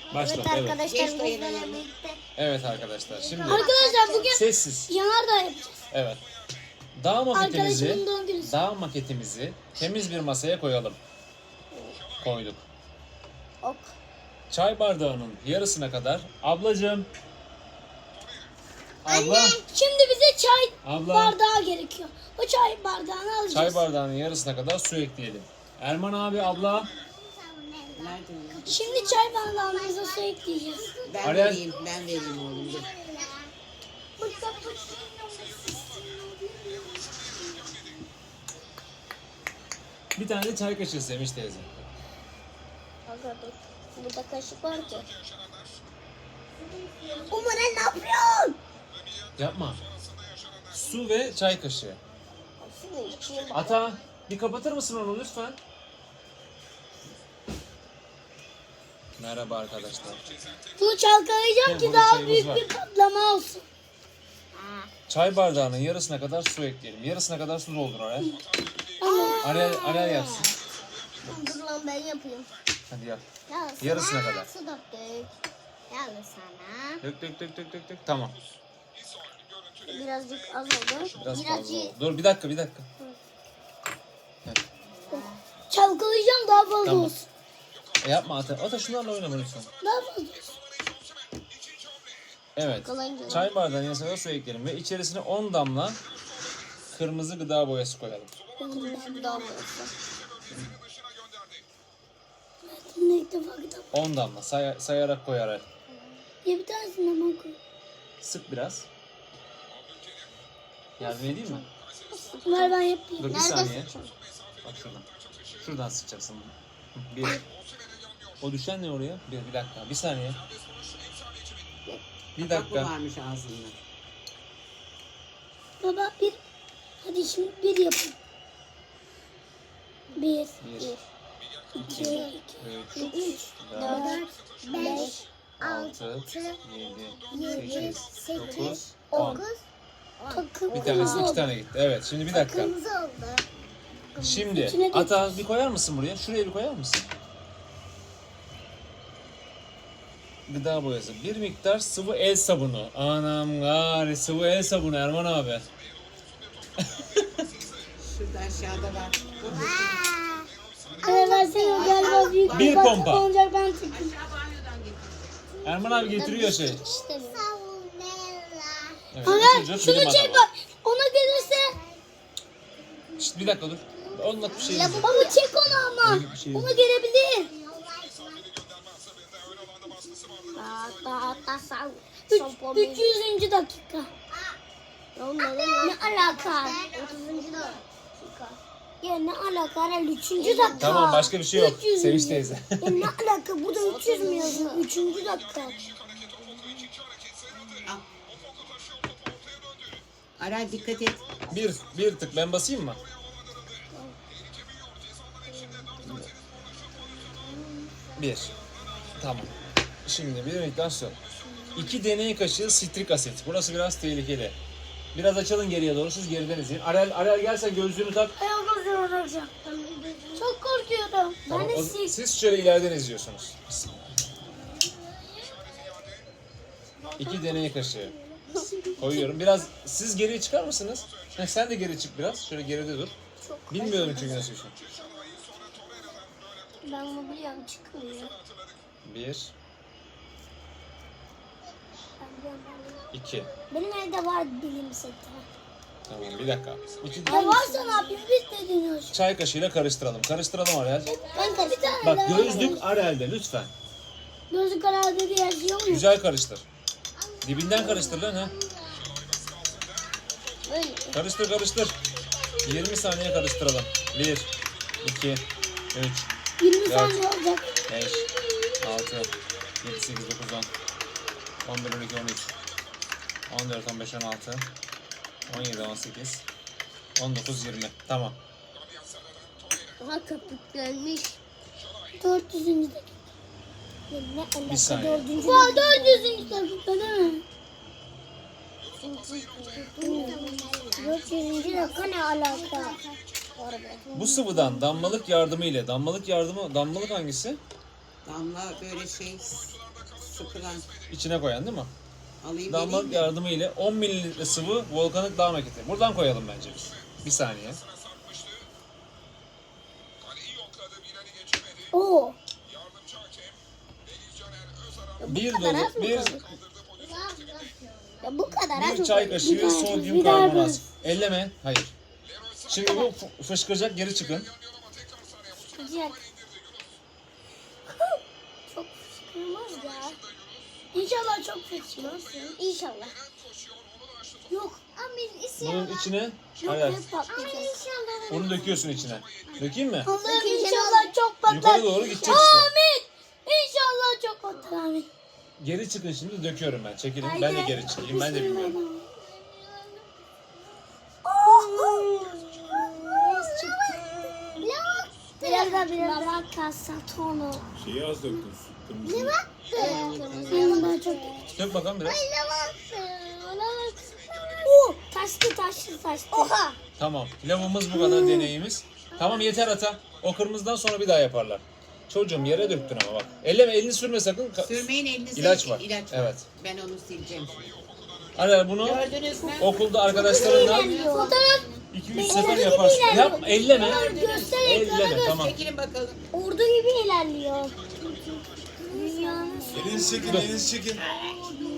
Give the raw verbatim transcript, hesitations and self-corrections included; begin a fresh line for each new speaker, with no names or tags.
Başladı.
Evet
Evet.
arkadaşlar
Geç dayanın.
bizlerle birlikte.
Evet arkadaşlar. Şimdi
Arkadaşlar bugün
sessiz.
yanardağ yapacağız.
Evet. Dağ maketimizi,
Arkadaşımın doğum günü.
dağ maketimizi temiz bir masaya koyalım. Koyduk.
Ok.
Çay bardağının yarısına kadar. Ablacığım. Abla.
Şimdi bize çay
Abla.
bardağı gerekiyor. O çay bardağını alacağız.
Çay bardağının yarısına kadar su ekleyelim. Erman abi, abla.
Nerede o?
Şimdi çay bardağımıza su ekleyeceğiz.
Ben
Arel.
vereyim, ben vereyim oğlum. Dur.
Bir tane de çay kaşığı Sevinç teyze.
Aga dur. Burada kaşık var ki. Umar ne yapıyorsun?
Yapma. Su ve çay kaşığı.
Aslında içeyim.
Ata, bir kapatır mısın onu lütfen? Merhaba arkadaşlar.
Bunu çalkalayacağım
Hem
ki
burada
daha
çayımız
büyük
var.
bir patlama olsun.
Çay bardağının yarısına kadar su ekleyelim. Yarısına kadar su doldur Arel. Arel, Arel yapsın.
Dur lan ben yapayım.
Hadi yap.
Ya
Yarısına kadar.
Su döktük. Yalnız sana.
Dök dök dök dök dök dök. Tamam.
Birazcık az oldu.
Biraz fazla
Birazcık.
oldu. Dur bir dakika bir dakika.
Çalkalayacağım daha fazla
Tamam.
olsun.
E yapma Ata. Ata şunlarla oynama lütfen.
Daha fazla olsun.
Evet.
Çalkalayınca.
Çay bardağının yarısına kadar su ekleyelim ve içerisine on damla kırmızı gıda boyası koyalım.
Kırmızı daha boyası.
Bunu ilk defa kitap.
on damla say- sayarak koy Arel.
Ya bir tanesini hemen koy.
Sık biraz. Yardım edeyim mi?
Ver ben yapayım.
Dur bir
Nerede
saniye.
sıçın?
Bak şuradan. Şuradan sıkacaksın. Bir. O düşen ne oraya? Bir, bir dakika. Bir saniye. Bir
Bak bu
dakika.
varmış ağzında.
Baba bir. Hadi şimdi bir yapın. Bir.
Bir,
İki.
üç,
Üç.
dört,
beş,
altı, yedi,
yedi,
sekiz, dokuz,
sekiz,
on.
dokuz.
Takım.
Bir tanesi iki tane gitti. Evet şimdi bir dakika.
Kırmızı oldu.
Şimdi
İçine
Ata bir koyar mısın buraya? Şuraya bir koyar mısın? Gıda boyası. Bir miktar sıvı el sabunu. Anam gari sıvı el sabunu Erman abi.
Şurada aşağıda var.
Evet versene galiba büyük
Bir
patlama
pompa.
olacak ben tutayım.
Erman abi getiriyor şey.
İşte
Evet,
Aga
getiriyor,
şunu
bilim
çek
adamı.
bak. Ona gelirse.
Şşt, bir dakika dur. Onunla bir şey yok.
Baba çek onu ama.
Öyle bir şey yok.
Ona gelebilir.
Hatta hatta sağ.
Üç, üç yüzüncü dakika.
Ne
alaka?
otuzuncu dakika.
Ya ne alaka? Herhalde üçüncü dakika.
Tamam başka bir şey yok.
üç yüzüncü.
Sevinç teyze.
Ya ne alaka? Bu da üç yüz mü yazıyor? Üçüncü dakika.
Arel dikkat et.
bir, bir tık ben basayım mı? Bir. Tamam. Şimdi bir miktar su. İki deney kaşığı sitrik asit. Burası biraz tehlikeli. Biraz açalım geriye doğru. Siz geriden izleyin. Arel, Arel gel sen gözlüğünü tak.
Ay korkuyorum hocam. Çok korkuyorum.
Tamam,
Ben de
o-
siz.
siz şöyle ileriden izliyorsunuz. İki deney kaşığı. Koyuyorum. Biraz siz geriye çıkar mısınız? Heh, sen de geri çık biraz. Şöyle geride dur. Bilmiyorum çünkü nasıl bir şey.
Ben bunu biliyorum çıkmıyor.
Bir, iki.
Benim evde var bilim seti.
Tamam bir dakika. İki
Ya varsa ne yapayım biz de deniyoruz.
çay kaşığıyla karıştıralım. Karıştıralım Arel.
Ben de bir tane
Bak
daha
gözlük Arel'de lütfen.
Gözlük karardı diye yazıyor mu?
Güzel karıştır. Dibinden karıştır lan ha.
Böyle.
Karıştır karıştır. yirmi saniye karıştıralım. bir, iki, üç,
yirmi
Dört.
saniye olacak.
beş, altı, yedi, sekiz, dokuz, on. on bir, on iki, on üç. on dört, on beş, on altı. on yedi, on sekiz. on dokuz, yirmi. Tamam.
Aha köpüklenmiş.
dört yüzüncü dakika. Ya ne alaka?
Bir saniye.
Dördüncü dakika. dört yüzüncü dakika değil mi? dört yüzüncü dakika ne alaka?
Bu sıvıdan damlalık yardımı ile damlalık yardımı damlalık hangisi?
Damla böyle şey sıkılan.
İçine koyan değil mi?
Alayım
Damlalık
vereyim mi?
yardımı ile on mililitre sıvı volkanik dağ maketi. Buradan koyalım bence biz. Bir saniye.
Oo.
Bir
kadar az
dolu,
mı
bir,
koyduk? Ya bu kadar az
bir
mı
çay
koyduk?
kaşığı
Bir daha-
sodyum
bir daha
karbonat.
yapalım.
Elleme. Hayır. Şimdi bu f- fışkıracak, geri çıkın.
Sıcak. Çok fışkırmaz ya.
İnşallah çok fışkırmaz.
İnşallah.
Yok.
Amin
Bunun
inşallah.
içine,
Yok
hayır,
hep patlayacak.
İnşallah.
bunu döküyorsun içine. Dökeyim mi?
Allah'ım
Dökeceğim.
inşallah çok patlar.
Yukarı doğru gidecek işte.
Amin. İnşallah çok patlar. Amin.
Geri çıkın şimdi, döküyorum ben. Çekilin. Ben de geri çıkayım. Ben de bilmiyorum.
Biraz daha biraz daha kalsa tonu.
Şeyi az döktün. Kırmızı.
Benim daha çok.
Dök bakalım biraz.
Oo, taştı taştı taştı.
Oha.
Tamam. Lavımız bu kadar deneyimiz. Tamam yeter ata. O kırmızıdan sonra bir daha yaparlar. Çocuğum yere döktün ama bak. Elleme, elini sürme sakın. Ka-
Sürmeyin elinize.
İlaç var.
İlaç
Evet.
Ben onu sileceğim.
Ara bunu
Gördünüz mü?
okulda arkadaşlarınla
Fotoğraf
iki üç sefer yaparsın. Yapma, elleme.
göster ekrana
Elleme,
göster.
tamam.
Çekilin bakalım.
Ordu gibi ilerliyor. Dünyanın
Elinizi çekin, elinizi çekin.